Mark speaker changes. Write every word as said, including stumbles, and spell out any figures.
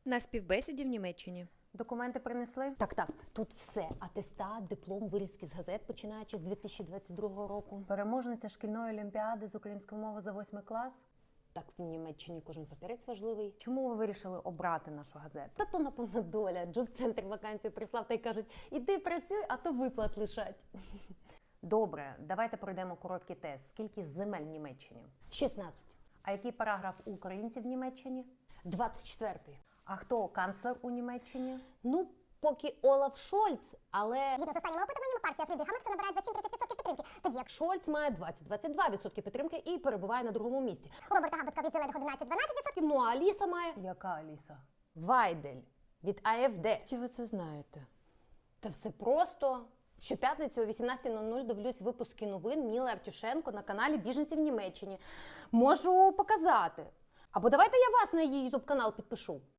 Speaker 1: на співбесіді в Німеччині.
Speaker 2: Документи принесли?
Speaker 3: Так, так, тут все. Атестат, диплом, вирізки з газет, починаючи з дві тисячі двадцять другого року.
Speaker 2: Переможниця шкільної олімпіади з української мови за восьмий клас?
Speaker 3: Так, в Німеччині кожен папірець важливий.
Speaker 2: Чому ви вирішили обрати нашу газету?
Speaker 3: Та то, напевно, доля. Джоб-центр вакансію прислав та й кажуть, іди працюй, а то виплат лишать.
Speaker 2: Добре, давайте пройдемо короткий тест. Скільки земель в Німеччині?
Speaker 3: шістнадцять.
Speaker 2: А який параграф у українців в Німеччині?
Speaker 3: двадцять четвертий.
Speaker 2: А хто канцлер у Німеччині?
Speaker 3: Ну, поки Олаф Шольц, але
Speaker 4: Згідно з останніми опитуваннями, партія Фрідріха Мерца набирає двадцять сім тридцять відсотків підтримки, тоді як
Speaker 3: Шольц має двадцять - двадцять два відсотки підтримки і перебуває на другому місці.
Speaker 4: у Роберта Габдотка від зелених одинадцять - дванадцять відсотків.
Speaker 3: Ну, а Аліса має
Speaker 2: Яка Аліса?
Speaker 3: Вайдель від АФД.
Speaker 1: Які ви це знаєте?
Speaker 3: Та все просто. Щоп'ятниці о вісімнадцятій нуль нуль дивлюсь випуски новин Міли Артюшенко на каналі «Біженці в Німеччині». Можу показати. Або давайте я вас на її ютуб канал підпишу.